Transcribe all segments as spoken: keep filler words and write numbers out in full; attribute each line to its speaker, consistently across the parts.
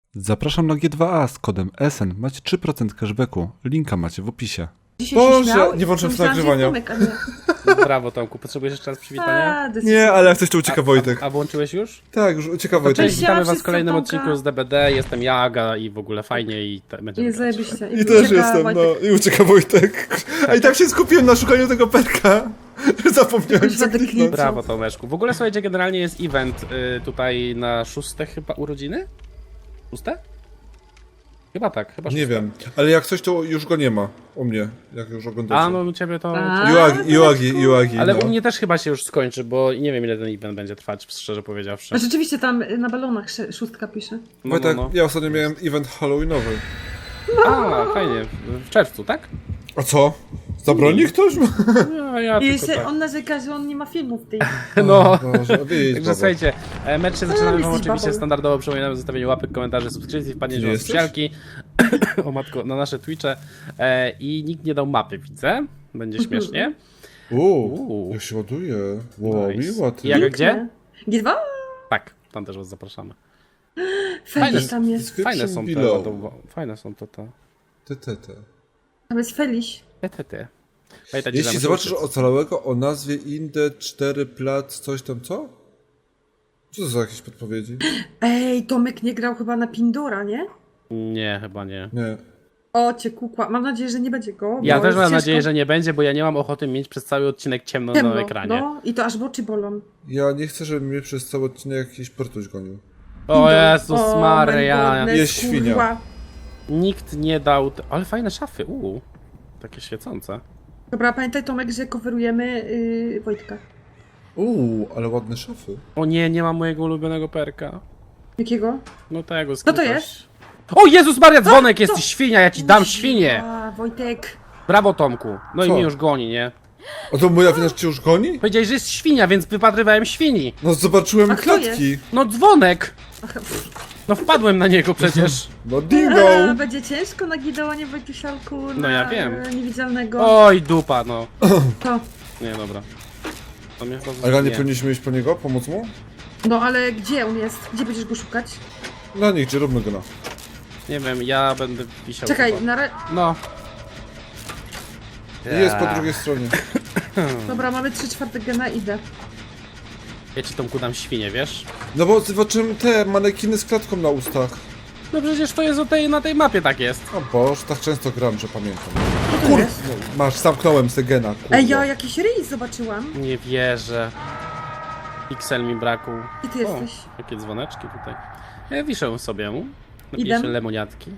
Speaker 1: Zapraszam na G dwa A z kodem S N. Macie trzy procent cashbacku. Linka macie w opisie.
Speaker 2: Boże, nie włączyłem sobie nagrywania.
Speaker 3: Brawo, Tomku. Potrzebujesz jeszcze raz przywitania?
Speaker 2: Nie, ale jak coś to ucieka Wojtek.
Speaker 3: A, a włączyłeś już?
Speaker 2: Tak, już ucieka
Speaker 3: To
Speaker 2: Wojtek.
Speaker 3: cześć, witamy was w
Speaker 4: wszyscy,
Speaker 3: kolejnym
Speaker 4: Tomka.
Speaker 3: odcinku z D B D. Jestem ja, Aga i w ogóle fajnie i te, będziemy
Speaker 4: Jest
Speaker 3: grać.
Speaker 4: zajebiście.
Speaker 2: I też
Speaker 4: ucieka
Speaker 2: jestem,
Speaker 4: Wojtek.
Speaker 2: no. I ucieka Wojtek. A i tak się skupiłem na szukaniu tego perka. Zapomniałem
Speaker 4: Jakoś
Speaker 2: co
Speaker 4: Wojtek
Speaker 2: kliknąć.
Speaker 3: Brawo, Tomeczku. W ogóle, słuchajcie, generalnie jest event y, tutaj na szóste chyba urodziny? Szóste? Chyba tak, chyba szóste.
Speaker 2: Nie wiem, ale jak coś to już go nie ma. U mnie, jak już oglądacie.
Speaker 3: A, no u ciebie to...
Speaker 4: A,
Speaker 2: Juagi, Juagi, Juagi,
Speaker 3: Ale
Speaker 2: no.
Speaker 3: u mnie też chyba się już skończy, bo nie wiem ile ten event będzie trwać, szczerze powiedziawszy.
Speaker 4: A rzeczywiście tam y, na balonach sz- szóstka pisze.
Speaker 3: No, no,
Speaker 2: Wojtek,
Speaker 3: no.
Speaker 2: ja ostatnio miałem event halloweenowy.
Speaker 3: A, fajnie. W czerwcu, tak?
Speaker 2: A co? Zabroni ktoś?
Speaker 3: No, ja
Speaker 4: I
Speaker 3: tylko
Speaker 4: jeszcze
Speaker 3: tak.
Speaker 4: on narzeka, że on nie ma filmów tej.
Speaker 3: No.
Speaker 2: Boże, wyjdź,
Speaker 3: Także
Speaker 2: baba.
Speaker 3: słuchajcie, e, mecz się zaczynamy wam
Speaker 4: jesteś
Speaker 3: oczywiście
Speaker 4: babą.
Speaker 3: standardowo, przypominamy o zostawieniu łapek, komentarzy, subskrypcji, wpadnięciu na
Speaker 2: jesteś?
Speaker 3: socjalki, o matko, na nasze Twitche e, i nikt nie dał mapy, widzę, będzie śmiesznie.
Speaker 2: Uuu,
Speaker 3: Uuu.
Speaker 2: jak się ładuje. Wow,
Speaker 3: Nice.
Speaker 2: miła ty.
Speaker 3: I jak gdzie?
Speaker 4: G dwa?
Speaker 3: Tak, tam też was zapraszamy.
Speaker 4: Feliś tam jest.
Speaker 3: Fajne są te,
Speaker 2: below.
Speaker 3: to, fajne są to te,
Speaker 2: Te, te, te.
Speaker 4: Tam jest Feliś.
Speaker 3: te, te, te. Pamiętajcie,
Speaker 2: Jeśli
Speaker 3: że
Speaker 2: zobaczysz
Speaker 3: musimy-
Speaker 2: ocalałego o nazwie Inde cztery Plac, coś tam, co? Co to za jakieś podpowiedzi?
Speaker 4: Ej, Tomek nie grał chyba na Pindora, nie?
Speaker 3: Nie, chyba nie.
Speaker 2: Nie.
Speaker 4: O, cię kukła. Mam nadzieję, że nie będzie go.
Speaker 3: Ja
Speaker 4: bo
Speaker 3: też
Speaker 4: jest
Speaker 3: mam
Speaker 4: ciężko.
Speaker 3: nadzieję, że nie będzie, bo ja nie mam ochoty mieć przez cały odcinek ciemno,
Speaker 4: Ciemno,
Speaker 3: na ekranie.
Speaker 4: no i to aż oczy bolą.
Speaker 2: Ja nie chcę, żeby mnie przez cały odcinek jakiś portuś gonił.
Speaker 3: O Jezus
Speaker 4: O,
Speaker 3: Maria.
Speaker 4: my goodness,
Speaker 2: Jest świnia.
Speaker 4: kurwa.
Speaker 3: Nikt nie dał... Te... Ale fajne szafy, uuu. Takie świecące.
Speaker 4: Dobra, pamiętaj Tomek, że coverujemy yy, Wojtka.
Speaker 2: Uuu, ale ładne szafy.
Speaker 3: O nie, nie mam mojego ulubionego perka.
Speaker 4: Jakiego?
Speaker 3: No tego z
Speaker 4: Co to
Speaker 3: kim
Speaker 4: jest?
Speaker 3: też- O Jezus Maria, dzwonek
Speaker 4: Co?
Speaker 3: jest, ty świnia, ja ci dam świnię!
Speaker 4: A, Wojtek.
Speaker 3: Brawo Tomku. No i
Speaker 2: Co?
Speaker 3: mnie już goni, nie?
Speaker 2: A to moja wina, że cię już goni?
Speaker 3: Powiedziałeś, że jest świnia, więc wypatrywałem świni.
Speaker 2: No zobaczyłem
Speaker 4: A kto
Speaker 2: klatki.
Speaker 3: No dzwonek!
Speaker 4: Ach,
Speaker 3: No wpadłem na niego przecież.
Speaker 2: No dingo!
Speaker 4: A, będzie ciężko na Gideonie Wojtusialku.
Speaker 3: No
Speaker 4: na
Speaker 3: ja wiem.
Speaker 4: Niewidzialnego.
Speaker 3: Oj, dupa, no.
Speaker 4: To.
Speaker 3: Nie, dobra. To mnie chyba
Speaker 2: Ale nie
Speaker 3: nie.
Speaker 2: powinniśmy iść po niego? Pomóc mu?
Speaker 4: No ale gdzie on jest? Gdzie będziesz go szukać?
Speaker 2: No nigdzie, róbmy go na.
Speaker 3: Nie wiem, ja będę wisiał
Speaker 4: Czekaj,
Speaker 3: chyba.
Speaker 4: na re...
Speaker 3: No.
Speaker 2: Jest po drugiej stronie.
Speaker 4: Dobra, mamy trzy czwarte gena, idę.
Speaker 3: Ja ci Tomku dam świnię, wiesz?
Speaker 2: No bo zobaczyłem te manekiny z klatką na ustach.
Speaker 3: No przecież to jest o tej, na tej mapie tak jest.
Speaker 2: O Boże, tak często gram, że pamiętam.
Speaker 4: Co to jest?
Speaker 2: No, masz, zamknąłem se gena, kurwa.
Speaker 4: Ej, ja jakiś ryj zobaczyłam.
Speaker 3: Nie wierzę. Pixel mi brakł.
Speaker 4: Gdzie ty
Speaker 3: O,
Speaker 4: jesteś?
Speaker 3: jakie dzwoneczki tutaj. Ja wiszę sobie. Napiję
Speaker 4: Idę.
Speaker 3: się lemoniatki.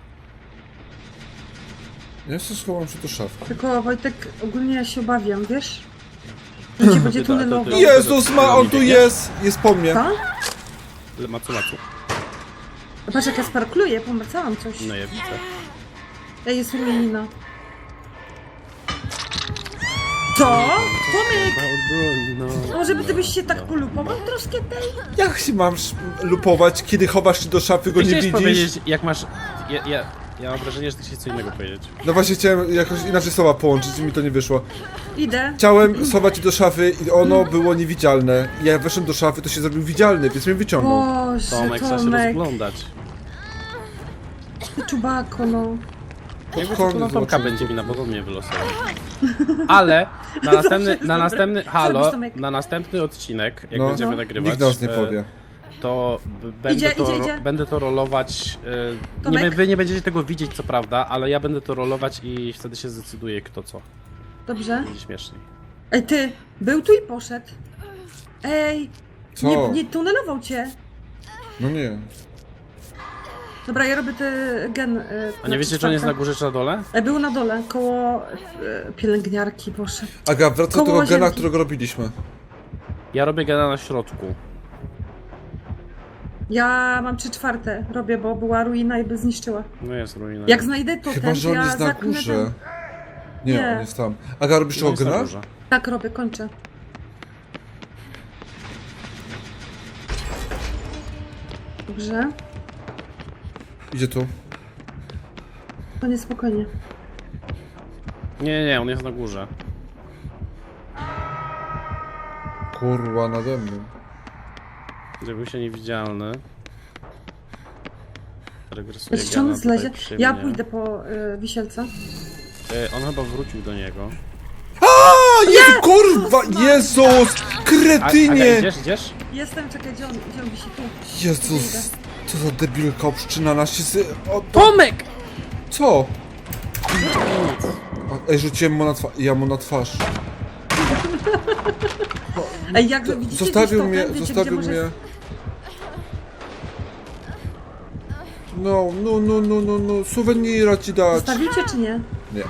Speaker 2: Ja się schowam się do szafki.
Speaker 4: Tylko Wojtek, ogólnie ja się obawiam, wiesz? Że cię będzie
Speaker 3: Ty to- to-
Speaker 4: tunelował.
Speaker 3: ty-
Speaker 2: Jezus ma, on tu jest! Jest po mnie.
Speaker 4: Co?
Speaker 3: Le- Macu, macu.
Speaker 4: Patrz jak ja sparkluję, pomacałam coś.
Speaker 3: No ja widzę.
Speaker 4: Ej, jest ruina. Co? Tomek!
Speaker 3: No.
Speaker 4: Może by ty byś się tak polupował troszkę tej?
Speaker 2: Jak się mam sz- lupować, kiedy chowasz się do szafy, go nie
Speaker 3: Chciałeś
Speaker 2: widzisz?
Speaker 3: powiedzieć, jak masz... Ja, ja, ja mam wrażenie, że ty chciałeś co innego powiedzieć.
Speaker 2: No właśnie chciałem jakoś inaczej słowa połączyć i mi to nie wyszło.
Speaker 4: Idę.
Speaker 2: Chciałem schować się do szafy i ono było niewidzialne. Jak weszłem do szafy, to się zrobił widzialny, więc mnie wyciągnął.
Speaker 4: Boże,
Speaker 3: Tomek, trzeba się
Speaker 4: Tomek.
Speaker 3: rozglądać.
Speaker 4: Ty czubako, no.
Speaker 3: Jakby
Speaker 2: Koniec
Speaker 3: to na Tomka
Speaker 2: zobaczy.
Speaker 3: będzie mi na podobnie wylosował. Ale na następny, na następny, halo,
Speaker 4: Zrobisz, Tomek.
Speaker 3: na następny odcinek, jak
Speaker 2: No.
Speaker 3: będziemy
Speaker 4: No.
Speaker 3: nagrywać,
Speaker 2: Nikt nas nie
Speaker 3: e,
Speaker 2: powie.
Speaker 3: to b- będę,
Speaker 4: Idzie,
Speaker 3: to,
Speaker 4: idzie,
Speaker 3: ro-
Speaker 4: idzie.
Speaker 3: będę to rolować. e, Nie,
Speaker 4: Tomek?
Speaker 3: wy- wy nie będziecie tego widzieć, co prawda, ale ja będę to rolować i wtedy się zdecyduje, kto co.
Speaker 4: Dobrze.
Speaker 3: Będzie śmieszniej.
Speaker 4: Ej, ty, był tu i poszedł. Ej,
Speaker 2: Co?
Speaker 4: nie, nie tunelował cię.
Speaker 2: No nie.
Speaker 4: Dobra, ja robię ten gen. y,
Speaker 3: A nie wiecie, czy on jest na
Speaker 4: czwarte.
Speaker 3: górze, czy na dole?
Speaker 4: E, Był na dole, koło y, pielęgniarki poszedł.
Speaker 2: Aga, wraca do
Speaker 4: Koło
Speaker 2: tego gena,
Speaker 4: łazienki.
Speaker 2: którego robiliśmy.
Speaker 3: Ja robię gena na środku.
Speaker 4: Ja mam trzy czwarte, robię, bo była ruina i by zniszczyła.
Speaker 3: No jest ruina.
Speaker 4: Jak znajdę to
Speaker 2: Chyba,
Speaker 4: ten,
Speaker 2: że on
Speaker 4: ja
Speaker 2: jest na
Speaker 4: zaknę
Speaker 2: górze.
Speaker 4: ten.
Speaker 2: Nie,
Speaker 4: Nie.
Speaker 2: on jest tam. Aga, robisz
Speaker 3: No
Speaker 2: tego
Speaker 3: jest na
Speaker 2: gena?
Speaker 3: górze.
Speaker 4: Tak robię, kończę. Dobrze,
Speaker 2: Idzie tu.
Speaker 4: to niespokojnie.
Speaker 3: Nie, nie, on jest na górze.
Speaker 2: Kurwa, nade mną.
Speaker 3: Żeby był się niewidzialny. regresuje
Speaker 4: Czy on
Speaker 3: Gena
Speaker 4: zlezie?
Speaker 3: tutaj przy
Speaker 4: Ja
Speaker 3: mnie.
Speaker 4: pójdę po y, wisielca.
Speaker 3: Y, On chyba wrócił do niego.
Speaker 2: A, Jezu, kurwa, Jezus,
Speaker 3: A, Aga,
Speaker 2: kretynie!
Speaker 3: idziesz, idziesz?
Speaker 4: Jestem, czekaj, gdzie on, gdzie on wisi tu?
Speaker 2: Jezus, co za debilka obszczyna na się z... O,
Speaker 3: Tomek!
Speaker 2: co? A, ej, rzuciłem mu na twarz, ja mu na twarz.
Speaker 4: Ej, jak widzicie
Speaker 2: Zostawił
Speaker 4: gdzieś
Speaker 2: mnie,
Speaker 4: totem, wiecie,
Speaker 2: zostawił
Speaker 4: gdzie
Speaker 2: mnie.
Speaker 4: może...
Speaker 2: No, no, no, no, no, no, suwenira ci dać.
Speaker 4: Zostawicie czy nie?
Speaker 2: Nie.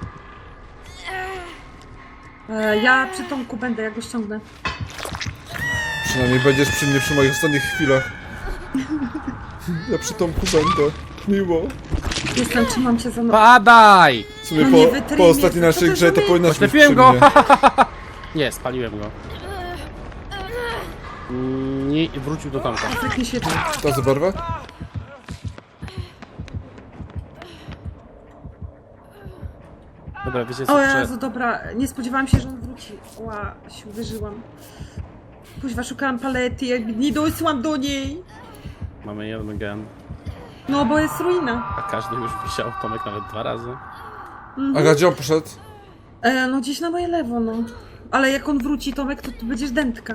Speaker 4: E, ja przy Tomku będę, jak go ściągnę.
Speaker 2: Przynajmniej będziesz przy mnie przy moich ostatnich chwilach. Ja przy Tomku będę. Miło.
Speaker 4: Jestem, trzymam cię za nogę.
Speaker 3: Padaj!
Speaker 2: W sumie
Speaker 4: No nie
Speaker 2: po,
Speaker 4: wytrynie,
Speaker 2: po ostatniej
Speaker 4: co
Speaker 2: naszej
Speaker 4: to
Speaker 2: grze to
Speaker 4: zrobi?
Speaker 2: powinnaś być przy
Speaker 3: Oślepiłem go!
Speaker 2: mnie.
Speaker 3: Nie, spaliłem go. Mm, Nie, wrócił do Tomka.
Speaker 4: Tak nie świeci.
Speaker 2: Ta za barwę?
Speaker 3: Dobra, wiecie co?
Speaker 4: O
Speaker 3: Prze...
Speaker 4: Jezu, dobra, nie spodziewałam się, że on wróci. Ła, się uderzyłam. Kuźwa, szukałam palety, jakby nie dosyłam do niej.
Speaker 3: Mamy jeden gen.
Speaker 4: No, bo jest ruina.
Speaker 3: A każdy już wisiał, Tomek nawet dwa razy.
Speaker 2: Aga, gdzie on poszedł?
Speaker 4: E, no gdzieś na moje lewo, no. Ale jak on wróci, Tomek, to tu będziesz dętka.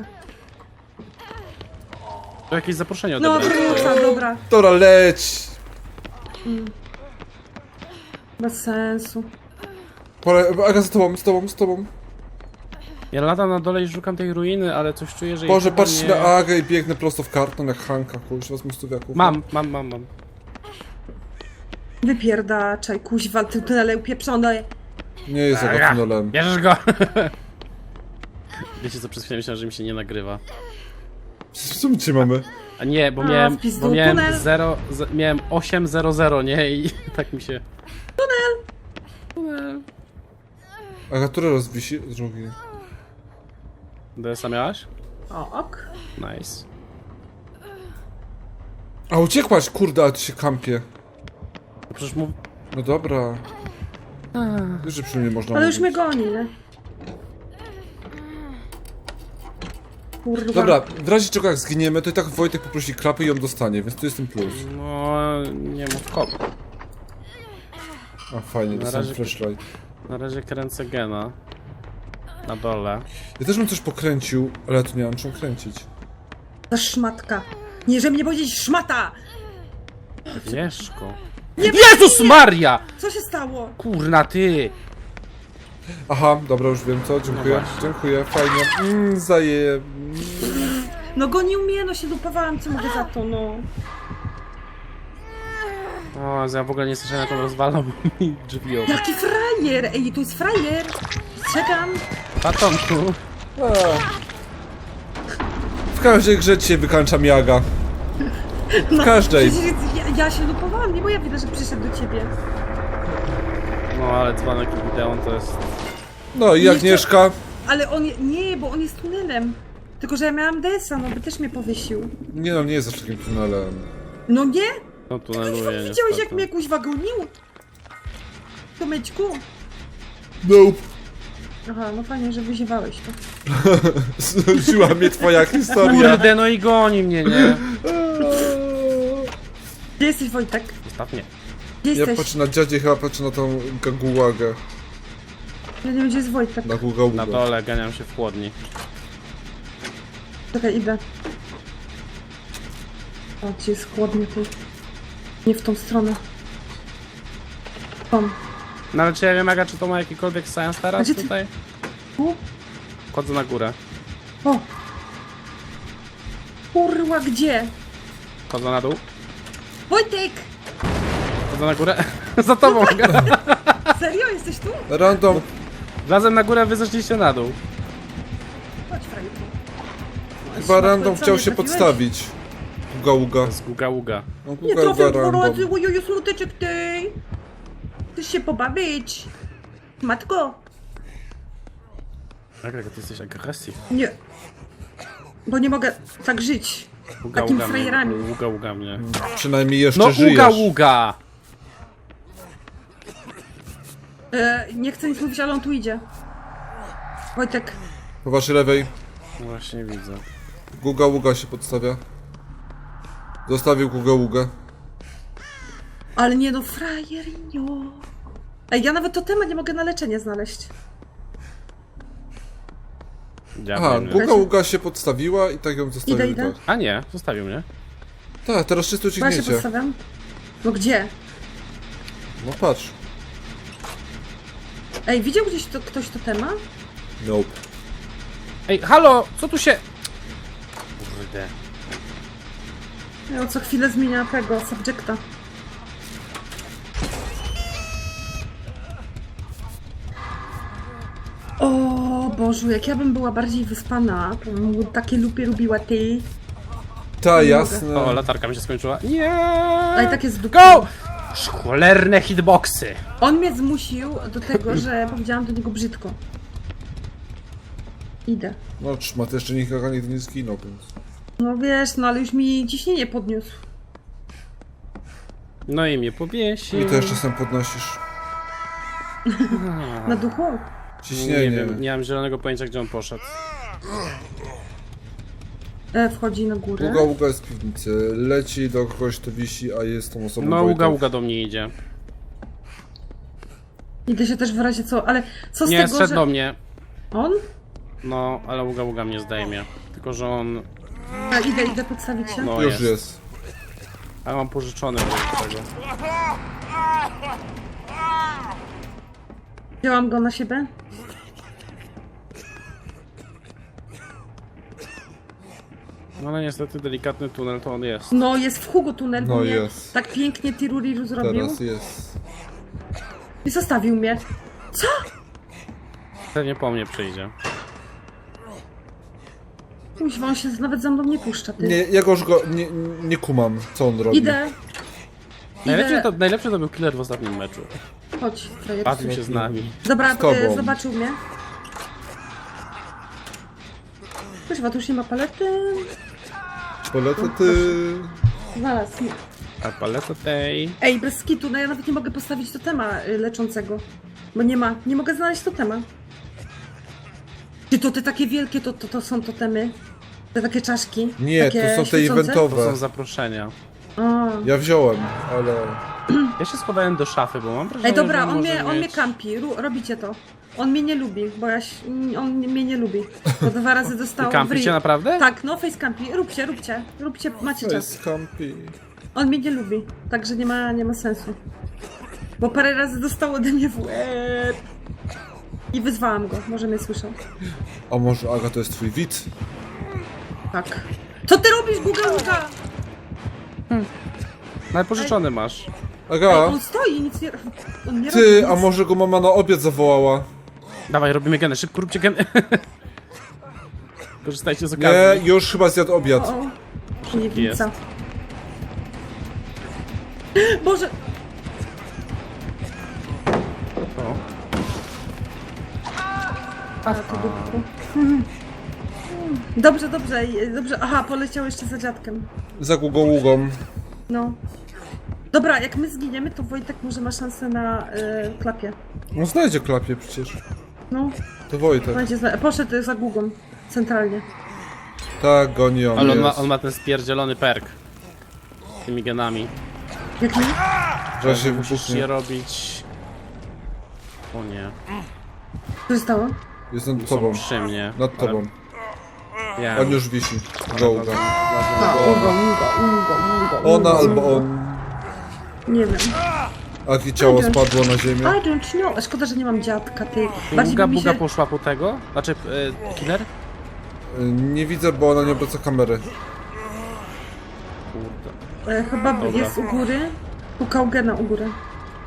Speaker 3: To jakieś zaproszenie
Speaker 4: No,
Speaker 3: odebrać.
Speaker 4: wróca, dobra.
Speaker 2: Dobra, leć!
Speaker 4: Bez sensu.
Speaker 2: Pole, Aga, z tobą, z tobą, z tobą.
Speaker 3: Ja latam na dole i szukam tej ruiny, ale coś czuję, że... jej
Speaker 2: Boże,
Speaker 3: chyba
Speaker 2: patrz
Speaker 3: nie...
Speaker 2: na Agę i biegnę prosto w karton jak Hanka, kurczę, z mostowiaków.
Speaker 3: Mam, mam, mam, mam.
Speaker 4: Wypierdaczaj, kuźwa, ty tunele upieprzone.
Speaker 2: Nie jest
Speaker 3: Aga,
Speaker 2: Aga tunelem.
Speaker 3: bierzesz go! Wiecie co, przez chwilę myślałem, że mi się nie nagrywa.
Speaker 2: Co my dzisiaj mamy?
Speaker 3: A nie, bo
Speaker 4: A,
Speaker 3: miałem,
Speaker 4: w pizdu,
Speaker 3: bo miałem
Speaker 4: tunel.
Speaker 3: zero, z, miałem osiem zero zero, nie? I tak mi się... Tunel! Tunel.
Speaker 2: Aga, który raz wisi? Drugi.
Speaker 3: D S a miałaś?
Speaker 4: O, ok.
Speaker 3: Nice.
Speaker 2: A uciekłaś, kurde, a ty się kampie.
Speaker 3: No przecież mów...
Speaker 2: No dobra. Wiesz, że przy mnie można
Speaker 4: Ale już mnie
Speaker 2: mówić.
Speaker 4: goni, nie? Kurwa.
Speaker 2: Dobra, w razie czego jak zginiemy, to i tak Wojtek poprosi krapy i ją dostanie, więc to jest ten plus.
Speaker 3: No, nie mów kop.
Speaker 2: A fajnie,
Speaker 3: Na
Speaker 2: dostałem
Speaker 3: razie-
Speaker 2: flashlight.
Speaker 3: Na razie kręcę gena. Na dole.
Speaker 2: Ja też bym coś pokręcił, ale ja tu nie mam czym kręcić.
Speaker 4: Ta szmatka. Nie, że mnie powiedzieć szmata!
Speaker 3: Mieszko. Jezus Maria!
Speaker 4: Co się stało?
Speaker 3: Kurna ty!
Speaker 2: Aha, dobra, już wiem co, dziękuję,
Speaker 3: No właśnie.
Speaker 2: dziękuję, fajnie. Mmm, zaje...
Speaker 4: No gonił mnie, no się dupowałam, co mogę za to, no.
Speaker 3: O, ja w ogóle nie słyszałem jak on rozwalał mi drzwi obok.
Speaker 4: Jaki frajer! Ej, tu jest frajer! Czekam.
Speaker 3: Patonku.
Speaker 2: W każdej grze cię wykańcza Miaga. W każdej.
Speaker 4: Przecież ja, ja się dupowałam, nie bo ja widzę, że przyszedł do ciebie.
Speaker 3: No ale dzwonek i Gideon to jest...
Speaker 2: No i
Speaker 4: Nie
Speaker 2: Agnieszka.
Speaker 4: Ale on, je- nie, bo on jest tunelem. Tylko, że ja miałam D S a, no by też mnie powiesił.
Speaker 2: Nie no, nie jest aż takim tunelem.
Speaker 4: No nie?
Speaker 3: No tuneluje
Speaker 4: Widziałeś, jak
Speaker 3: niestety.
Speaker 4: mnie kuźwa gonił? Tomeczku?
Speaker 2: Nope.
Speaker 4: Aha, no fajnie, że wyziewałeś to.
Speaker 2: Znudziła mnie twoja historia.
Speaker 3: Kurde, no i goni mnie, nie?
Speaker 4: Gdzie jesteś, Wojtek?
Speaker 3: Ostatnie.
Speaker 4: Gdzie
Speaker 2: Ja
Speaker 4: jesteś?
Speaker 2: patrzę na dziadzie, chyba patrzę na tą gagułagę.
Speaker 4: Ja nie wiem, gdzie jest Wojtek.
Speaker 2: Na gugaługę.
Speaker 3: Na dole ganiam się w chłodni.
Speaker 4: Czekaj, idę. O, gdzie jest chłodnie tu? Nie w tą stronę. Tam.
Speaker 3: No ale czy ja wiem, Aga, czy to ma jakikolwiek sens
Speaker 4: A
Speaker 3: teraz
Speaker 4: gdzie ty-
Speaker 3: tutaj?
Speaker 4: Tu?
Speaker 3: Wchodzę na górę.
Speaker 4: O! Kurwa, gdzie?
Speaker 3: Wchodzę na dół.
Speaker 4: Wojtek!
Speaker 3: Wchodzę na górę. Za tobą, Aga.
Speaker 4: Serio? Jesteś tu?
Speaker 2: Random.
Speaker 3: Wlazłem na górę, wy zeszliście na dół.
Speaker 4: Chodź, frajerku.
Speaker 2: Chyba random
Speaker 4: Co,
Speaker 2: chciał
Speaker 4: nie
Speaker 2: się
Speaker 4: trafiłeś?
Speaker 2: podstawić. Gugaługa.
Speaker 3: Z guga ługa.
Speaker 2: No,
Speaker 4: Nie
Speaker 2: gugaługa
Speaker 4: trafię dwa
Speaker 2: random.
Speaker 4: razy, ojojo, smuteczek ty! Chcesz się pobawić? Matko?
Speaker 3: Aga, ty jesteś agresyw.
Speaker 4: Nie. Bo nie mogę tak żyć.
Speaker 3: Ługa
Speaker 4: Takimi
Speaker 3: ługa mnie.
Speaker 4: frajerami.
Speaker 3: Ługa ługa mnie.
Speaker 2: Przynajmniej jeszcze
Speaker 3: No
Speaker 2: żyjesz.
Speaker 3: ługa ługa!
Speaker 4: E, nie chcę nic mówić, ale on tu idzie. Wojtek.
Speaker 2: Po waszej lewej.
Speaker 3: No właśnie widzę.
Speaker 2: Gugaługa się podstawia. Zostawił gugaługę.
Speaker 4: Ale nie no, frajerinio. Ej, ja nawet totema nie mogę na leczenie znaleźć.
Speaker 3: Ja
Speaker 2: Aha,
Speaker 3: wiem,
Speaker 2: Guga Uga się podstawiła i tak ją zostawił.
Speaker 4: Idę, idę.
Speaker 2: Tak.
Speaker 3: A nie, zostawił mnie.
Speaker 2: tak, teraz czysto
Speaker 4: Bo ja się
Speaker 2: uciekniecie.
Speaker 4: podstawiam. No gdzie?
Speaker 2: No patrz.
Speaker 4: Ej, widział gdzieś to, ktoś totema?
Speaker 2: Nope.
Speaker 3: Ej, halo, co tu się... Kurde.
Speaker 4: Ja co chwilę zmienia tego, subjecta. O Bożu, jak ja bym była bardziej wyspana, to bym takie lupie lubiła ty.
Speaker 2: Ta,
Speaker 4: Nie
Speaker 2: jasne.
Speaker 3: O, latarka mi się skończyła. Nie!
Speaker 4: A i tak jest w
Speaker 3: Go! Cholerne hitboxy!
Speaker 4: On mnie zmusił do tego, że powiedziałam do niego brzydko. Idę.
Speaker 2: No trzyma, to jeszcze nikogo nigdy nie zginął, więc...
Speaker 4: No wiesz, no ale już mi ciśnienie podniósł.
Speaker 3: No i mnie powiesił.
Speaker 2: I to jeszcze sam podnosisz.
Speaker 4: Na duchu?
Speaker 2: Ciśnienie.
Speaker 3: Nie wiem, nie mam zielonego pojęcia, gdzie on poszedł.
Speaker 4: E, wchodzi na górę.
Speaker 2: Uga Uga jest w piwnicy. Leci do kogoś, to wisi, a jest tą osobą
Speaker 3: No,
Speaker 2: Wojtek.
Speaker 3: uga uga do mnie idzie.
Speaker 4: Idę się też w razie co, ale co z
Speaker 3: Nie,
Speaker 4: tego,
Speaker 3: zszedł
Speaker 4: że...
Speaker 3: do mnie.
Speaker 4: On?
Speaker 3: No, ale uga uga mnie zdejmie. Tylko, że on...
Speaker 4: A idę, idę podstawić się.
Speaker 3: No
Speaker 2: Już
Speaker 3: jest.
Speaker 2: jest.
Speaker 3: A ja mam pożyczony do tego.
Speaker 4: Wzięłam go na siebie.
Speaker 3: No ale niestety delikatny tunel to on jest.
Speaker 4: No, jest w Hugo tunel, bo
Speaker 2: No
Speaker 4: mnie
Speaker 2: jest.
Speaker 4: tak pięknie Tiruriru zrobił.
Speaker 2: Teraz jest.
Speaker 4: I zostawił mnie. Co?
Speaker 3: Pewnie po mnie przyjdzie.
Speaker 4: Kuźwa, on się nawet za mną nie puszcza, ty.
Speaker 2: Nie, ja go już go nie, nie kumam, co on robi.
Speaker 4: Idę.
Speaker 3: Najlepszy
Speaker 4: Idę.
Speaker 3: to, najlepszy to był killer w ostatnim meczu.
Speaker 4: Chodź, frajer.
Speaker 3: Bawił się z nami.
Speaker 4: Dobra,
Speaker 2: Z tobą.
Speaker 4: e, zobaczył mnie. Kuźwa, tu już nie ma palety.
Speaker 2: Polecę ty...
Speaker 4: Znalazł mnie.
Speaker 3: A paleta tej...
Speaker 4: Ej, bez skitu, no ja nawet nie mogę postawić totema y, leczącego. Bo nie ma, nie mogę znaleźć totema. Czy to te takie wielkie, to, to, to są totemy? Te takie czaszki?
Speaker 2: Nie,
Speaker 4: takie
Speaker 2: to są te
Speaker 4: świecące?
Speaker 3: To
Speaker 2: eventowe.
Speaker 3: są zaproszenia.
Speaker 4: A.
Speaker 2: Ja wziąłem, ale...
Speaker 3: Ja się schowałem do szafy, bo mam wrażenie,
Speaker 4: Ej, dobra,
Speaker 3: że
Speaker 4: on
Speaker 3: może
Speaker 4: mnie, on
Speaker 3: mieć...
Speaker 4: mnie kampi, Ru, robicie to. On mnie nie lubi, bo ja się, on mnie nie lubi. Bo dwa razy dostał w
Speaker 3: Kampicie
Speaker 4: ryj.
Speaker 3: naprawdę?
Speaker 4: Tak, no face campi, róbcie, róbcie, róbcie, macie
Speaker 2: To
Speaker 4: czas.
Speaker 2: jest campi.
Speaker 4: On mnie nie lubi, także nie ma, nie ma sensu. Bo parę razy dostał ode mnie w łeb. I wyzwałam go, może mnie słyszał.
Speaker 2: A może Aga to jest twój widz?
Speaker 4: Tak. Co ty robisz, Guga Luga?
Speaker 3: No ale pożyczony masz.
Speaker 4: Ej,
Speaker 2: Aga,
Speaker 4: on stoi, nic nie, on nie robi
Speaker 2: ty,
Speaker 4: nic.
Speaker 2: a może go mama na obiad zawołała?
Speaker 3: Dawaj, robimy geny, szybko róbcie geny. Korzystajcie z
Speaker 2: Nie,
Speaker 3: okazji.
Speaker 2: już chyba zjadł obiad.
Speaker 4: O, niewidca. Boże,
Speaker 3: O.
Speaker 4: a to dupku. Dobrze, dobrze, dobrze. Aha, poleciał jeszcze za dziadkiem.
Speaker 2: Za Gugą Ługą.
Speaker 4: No. Dobra, jak my zginiemy, to Wojtek może ma szansę na y, klapie.
Speaker 2: No znajdzie klapie przecież.
Speaker 4: No,
Speaker 2: To Wojtek.
Speaker 4: będzie zna- poszedł za Gugą, centralnie.
Speaker 2: Tak, goni on,
Speaker 3: Ale on ma,
Speaker 2: jest.
Speaker 3: on ma ten spierdzielony perk. Z tymi genami.
Speaker 4: Jaki?
Speaker 2: Że się
Speaker 3: Musisz je
Speaker 2: wybuchnie.
Speaker 3: robić... O nie.
Speaker 4: Co się stało?
Speaker 2: Jest nad
Speaker 3: Są
Speaker 2: tobą.
Speaker 3: przy mnie.
Speaker 2: Nad tobą.
Speaker 3: Ja.
Speaker 2: On już wisi. Go Uga.
Speaker 4: A, Ugo, Ugo, Ugo, Ugo.
Speaker 2: Ona albo on.
Speaker 4: Nie wiem.
Speaker 2: Aki ciało spadło na ziemię.
Speaker 4: I don't know. A szkoda, że nie mam dziadka, ty. Bardziej
Speaker 3: Buga
Speaker 4: by mi
Speaker 3: buga
Speaker 4: się...
Speaker 3: poszła po tego? Znaczy, y, killer?
Speaker 2: Nie widzę, bo ona nie obraca kamery.
Speaker 3: Kurde.
Speaker 4: E, chyba
Speaker 3: Dobra.
Speaker 4: jest u góry. Pukał gena u góry.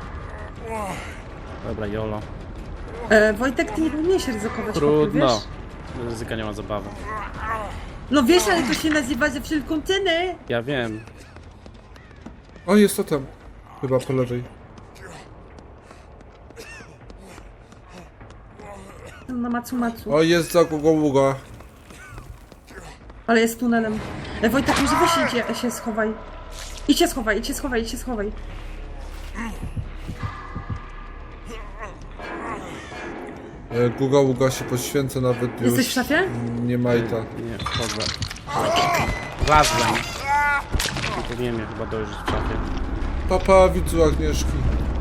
Speaker 3: Dobra, jolo.
Speaker 4: E, Wojtek, ty nie powinieneś ryzykować.
Speaker 3: Trudno.
Speaker 4: Wiesz?
Speaker 3: Ryzyka nie ma zabawy.
Speaker 4: No wiesz, ale to się nazywa ze wszelką cenę.
Speaker 3: Ja wiem.
Speaker 2: O, jest to tam. Chyba po lewej.
Speaker 4: Na macu macu.
Speaker 2: O, jest za Gugą Ługa.
Speaker 4: Ale jest tunelem. E, Wojtek, może weź idzie, się schowaj. Idź się schowaj, idź się schowaj, idź się schowaj.
Speaker 2: E, Guga Ługa się poświęca nawet już.
Speaker 4: Jesteś w szafie?
Speaker 2: Nie majta.
Speaker 3: Nie, wchodzę. Razem. Nie powinien mnie chyba dojrzeć w szafie.
Speaker 2: Papa, widzu Agnieszki.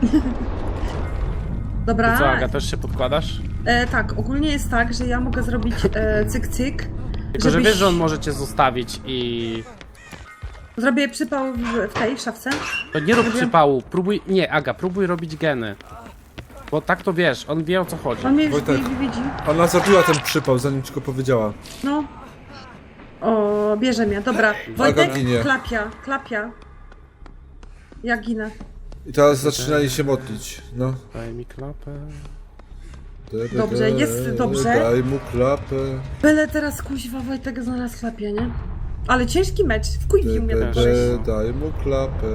Speaker 4: Dobra.
Speaker 3: Co, Aga, też się podkładasz?
Speaker 4: E, tak, ogólnie jest tak, że ja mogę zrobić e, cyk cyk.
Speaker 3: Tylko, że
Speaker 4: żebyś-
Speaker 3: wiesz, że on może cię zostawić i...
Speaker 4: Zrobię przypał w, w tej szafce.
Speaker 3: To nie rób
Speaker 4: Zrobię-
Speaker 3: przypału, próbuj... Nie, Aga, próbuj robić geny. Bo tak to wiesz, on wie o co chodzi.
Speaker 4: On mnie już
Speaker 2: Wojtek.
Speaker 4: wi- widzi.
Speaker 2: Ona zabiła ten przypał, zanim ci go powiedziała.
Speaker 4: No. O, bierze mnie. Dobra. Wojtek,
Speaker 2: ginie.
Speaker 4: klapia, klapia. Ja ginę.
Speaker 2: I teraz zaczynali się modlić. No.
Speaker 3: Daj mi klapę.
Speaker 4: Dobrze, jest dobrze.
Speaker 2: Daj mu klapę.
Speaker 4: Byle teraz kuźwa Wojtek znalazł klapie, nie? Ale ciężki mecz, wkuźwił mnie
Speaker 2: De,
Speaker 4: tak
Speaker 2: de,
Speaker 4: koleś.
Speaker 2: daj mu klapę.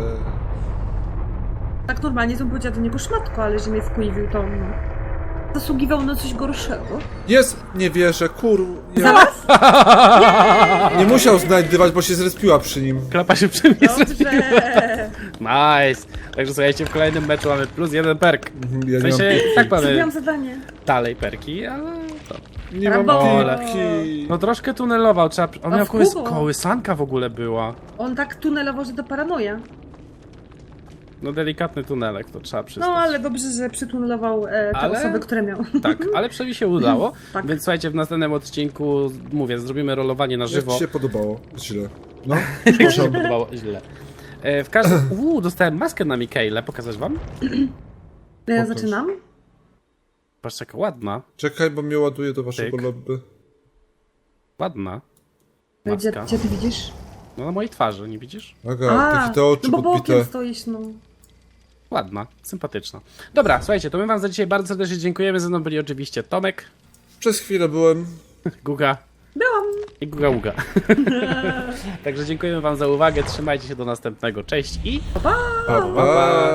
Speaker 4: Tak normalnie to bym powiedziała do niego szmatko, ale że mnie wkuźwił to no. Zasługiwał na coś gorszego.
Speaker 2: Jest! Nie wierzę, kur... Nie,
Speaker 4: Zaraz?
Speaker 2: nie musiał znajdywać, bo się zrespiła przy nim.
Speaker 3: Klapa się przy mnie
Speaker 4: Dobrze.
Speaker 3: Nice! Także słuchajcie, w kolejnym meczu mamy plus jeden perk.
Speaker 2: Mhm, Ja
Speaker 3: W
Speaker 2: nie mam
Speaker 3: sensie, tak mamy
Speaker 4: Zrobiłam zadanie.
Speaker 3: dalej perki, ale to...
Speaker 2: Nie mam
Speaker 4: Brawo.
Speaker 2: piłki.
Speaker 3: No troszkę tunelował, trzeba... On
Speaker 4: A
Speaker 3: miał
Speaker 4: w
Speaker 3: kołys...
Speaker 4: kubo.
Speaker 3: kołysanka w ogóle była.
Speaker 4: On tak tunelował, że to paranoja.
Speaker 3: No delikatny tunelek, to trzeba przyznać.
Speaker 4: No ale dobrze, że przytunelował e, te
Speaker 3: Ale-
Speaker 4: osoby, które miał.
Speaker 3: Tak, ale przynajmniej się udało.
Speaker 4: Tak.
Speaker 3: Więc słuchajcie, w następnym odcinku, mówię, zrobimy rolowanie na
Speaker 2: Jak
Speaker 3: żywo.
Speaker 2: ci się podobało? Źle. No.
Speaker 3: Jak się
Speaker 2: Proszę.
Speaker 3: podobało, źle. E, w każdym... Uuu, dostałem maskę na Mikaela, pokazać wam?
Speaker 4: Ja
Speaker 2: Pokaż.
Speaker 4: zaczynam.
Speaker 3: Patrzcie, jaka ładna.
Speaker 2: Czekaj, bo mnie ładuje do waszego
Speaker 3: Tyk.
Speaker 2: lobby.
Speaker 3: Ładna.
Speaker 4: Gdzie,
Speaker 3: Maska.
Speaker 4: gdzie ty widzisz?
Speaker 3: No na mojej twarzy, nie widzisz?
Speaker 2: Aga, takie te oczy
Speaker 4: no bo bokiem
Speaker 2: podbite.
Speaker 4: stoisz, no.
Speaker 3: Ładna, sympatyczna. Dobra, słuchajcie, to my wam za dzisiaj bardzo serdecznie dziękujemy. Ze mną byli oczywiście Tomek,
Speaker 2: Przez chwilę byłem.
Speaker 3: Guga
Speaker 4: Byłam.
Speaker 3: i Guga Uga. Także dziękujemy wam za uwagę, trzymajcie się do następnego. Cześć i...
Speaker 2: Pa, pa.